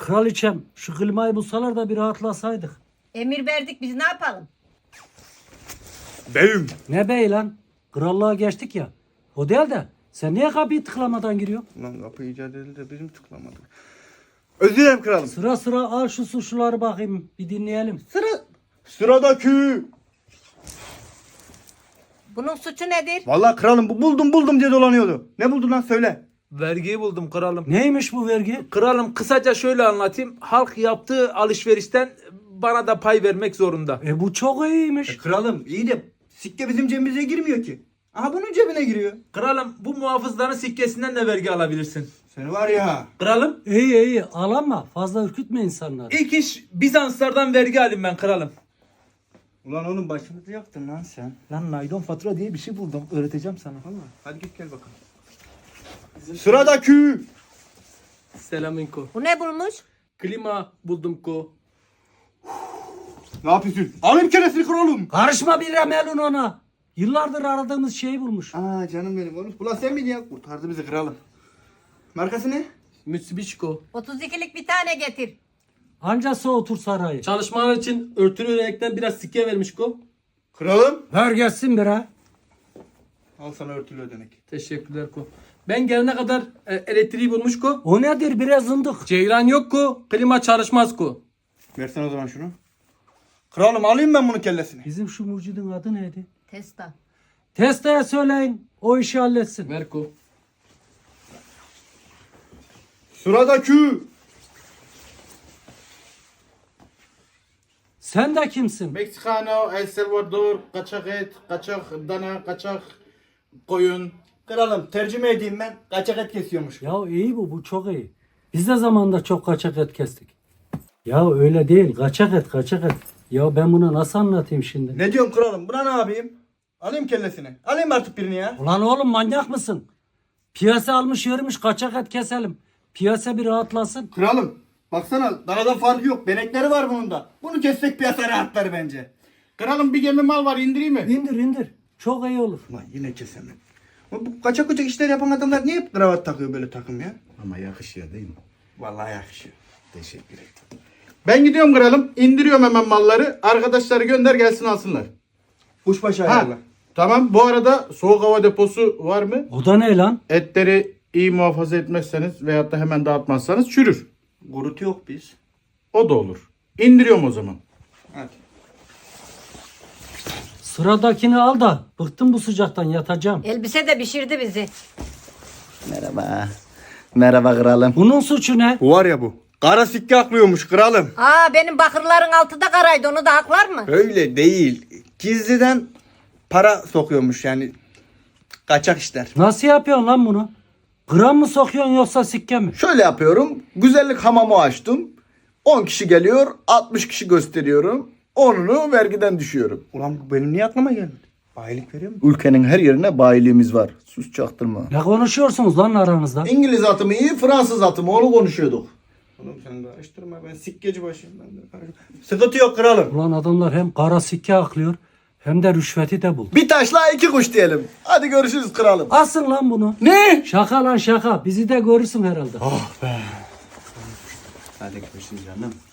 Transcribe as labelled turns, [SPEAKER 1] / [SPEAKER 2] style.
[SPEAKER 1] Kraliçem şu klimayı bulsalar da bir rahatlasaydık.
[SPEAKER 2] Emir verdik biz ne yapalım?
[SPEAKER 3] Beyim.
[SPEAKER 1] Ne bey lan? Krallığa geçtik ya. O değil de sen niye kapıyı tıklamadan giriyorsun?
[SPEAKER 3] Lan kapı icat edildi de bizim tıklamadık. Özür dilerim kralım.
[SPEAKER 1] Sıra sıra al şu suçluları bakayım bir dinleyelim.
[SPEAKER 3] Sıradaki.
[SPEAKER 2] Bunun suçu nedir?
[SPEAKER 3] Vallahi kralım bu buldum diye dolanıyordu. Ne buldun lan söyle.
[SPEAKER 4] Vergiyi buldum kralım.
[SPEAKER 1] Neymiş bu vergi?
[SPEAKER 4] Kralım kısaca şöyle anlatayım. Halk yaptığı alışverişten bana da pay vermek zorunda.
[SPEAKER 1] Bu çok iyiymiş.
[SPEAKER 3] Kralım iyi de sikke bizim cebimize girmiyor ki. Aha bunun cebine giriyor.
[SPEAKER 4] Kralım bu muhafızların sikkesinden de vergi alabilirsin.
[SPEAKER 3] Seni var ya.
[SPEAKER 4] Kralım
[SPEAKER 1] İyi al ama fazla ürkütme insanları.
[SPEAKER 4] ilk iş Bizanslardan vergi alayım ben kralım.
[SPEAKER 3] Ulan oğlum başımızı yaktın lan sen.
[SPEAKER 4] Lan naylon fatura diye bir şey buldum. Öğreteceğim sana.
[SPEAKER 3] Vallahi. Hadi git gel bakalım. Sıradaki.
[SPEAKER 5] Selamünko.
[SPEAKER 2] Bu ne bulmuş?
[SPEAKER 5] Klima buldum ko.
[SPEAKER 3] Ne yapıyorsun? Alayım keresini kralım.
[SPEAKER 1] Karışma bir Melun ona. Yıllardır aradığımız şeyi bulmuş.
[SPEAKER 3] Aa canım benim oğlum. Ulan sen miydin ya? Kurtardı bizi kralım. Markası ne?
[SPEAKER 5] Mitsubishi ko.
[SPEAKER 2] 32'lik bir tane getir.
[SPEAKER 1] Anca soğutur sarayı.
[SPEAKER 5] Çalışmalar için örtülü renkten biraz sikke vermiş ko.
[SPEAKER 3] Kralım.
[SPEAKER 1] Ver gelsin bir ha.
[SPEAKER 3] Al sana örtülü ödenek.
[SPEAKER 5] Teşekkürler ko. Ben gelene kadar elektriği bulmuş ko.
[SPEAKER 1] O nedir biraz zındık.
[SPEAKER 5] Ceyran yok ko. Klima çalışmaz ko.
[SPEAKER 3] Versen o zaman şunu. Kralım alayım ben bunun kellesini.
[SPEAKER 1] Bizim şu mucidin adı neydi?
[SPEAKER 2] Testa.
[SPEAKER 1] Testa'ya söyleyin. O işi halletsin.
[SPEAKER 5] Ver ko.
[SPEAKER 3] Sıradaki.
[SPEAKER 1] Sen de kimsin?
[SPEAKER 6] Meksikano, El Salvador, kaçak et, kaçak dana, kaçak koyun.
[SPEAKER 3] Kralım tercüme edeyim ben. Kaçak et kesiyormuş.
[SPEAKER 1] Ya iyi bu çok iyi. Biz de zamanında çok kaçak et kestik. Ya öyle değil kaçak et. Ya ben bunu nasıl anlatayım şimdi?
[SPEAKER 3] Ne diyorsun kralım? Buna ne yapayım? Alayım kellesini. Alayım artık birini ya.
[SPEAKER 1] Ulan oğlum manyak mısın? Piyasa almış yürümüş kaçak et keselim. Piyasa bir rahatlasın.
[SPEAKER 3] Kralım baksana danadan farkı yok. Benekleri var bunun da. Bunu kessek piyasa rahatlar bence.
[SPEAKER 6] Kralım bir gemi mal var indireyim mi?
[SPEAKER 1] İndir. Çok iyi olur.
[SPEAKER 3] Ulan yine kesemem. Bu kaçak işler yapan adamlar niye hep kravat takıyor böyle takım ya?
[SPEAKER 6] Ama yakışıyor değil mi?
[SPEAKER 3] Vallahi yakışıyor.
[SPEAKER 6] Teşekkür ederim. Ben gidiyorum kralım. İndiriyorum hemen malları. Arkadaşları gönder gelsin alsınlar.
[SPEAKER 3] Kuşbaşı
[SPEAKER 6] Ha,
[SPEAKER 3] ayarla.
[SPEAKER 6] tamam. Bu arada soğuk hava deposu var mı?
[SPEAKER 1] O da ne lan?
[SPEAKER 6] Etleri iyi muhafaza etmezseniz veyahut da hemen dağıtmazsanız çürür.
[SPEAKER 3] Gurut yok biz.
[SPEAKER 6] O da olur. İndiriyorum o zaman.
[SPEAKER 3] Hadi.
[SPEAKER 1] Sıradakini al da bıktım bu sıcaktan yatacağım.
[SPEAKER 2] Elbise de pişirdi bizi.
[SPEAKER 3] Merhaba. Merhaba kralım.
[SPEAKER 1] Bunun suçu ne?
[SPEAKER 3] Bu var ya bu. Kara sikke aklıyormuş kralım.
[SPEAKER 2] Benim bakırların altı da karaydı onu da haklar mı?
[SPEAKER 3] Öyle değil. Gizliden para sokuyormuş yani. Kaçak işler.
[SPEAKER 1] Nasıl yapıyorsun lan bunu? Gram mı sokuyorsun yoksa sikke mi?
[SPEAKER 3] Şöyle yapıyorum. Güzellik hamamı açtım. 10 kişi geliyor. 60 kişi gösteriyorum. 10'unu vergiden düşüyorum. Ulan bu benim niye aklıma gelmedi? Bayilik veriyor mu? Ülkenin her yerine bayiliğimiz var. Sus çaktırma.
[SPEAKER 1] Ne konuşuyorsunuz lan aranızda?
[SPEAKER 3] İngiliz atımı iyi, Fransız atımı onu konuşuyorduk. Oğlum sen karıştırma ben sikkeci başıyım ben de karıştırma. Sıkıntı yok kralım.
[SPEAKER 1] Ulan adamlar hem kara sikke aklıyor hem de rüşveti de buldu.
[SPEAKER 3] Bir taşla iki kuş diyelim. Hadi görüşürüz kralım.
[SPEAKER 1] Asın lan bunu.
[SPEAKER 3] Ne?
[SPEAKER 1] Şaka lan şaka. Bizi de görürsün herhalde.
[SPEAKER 3] Hadi görüşürüz canım.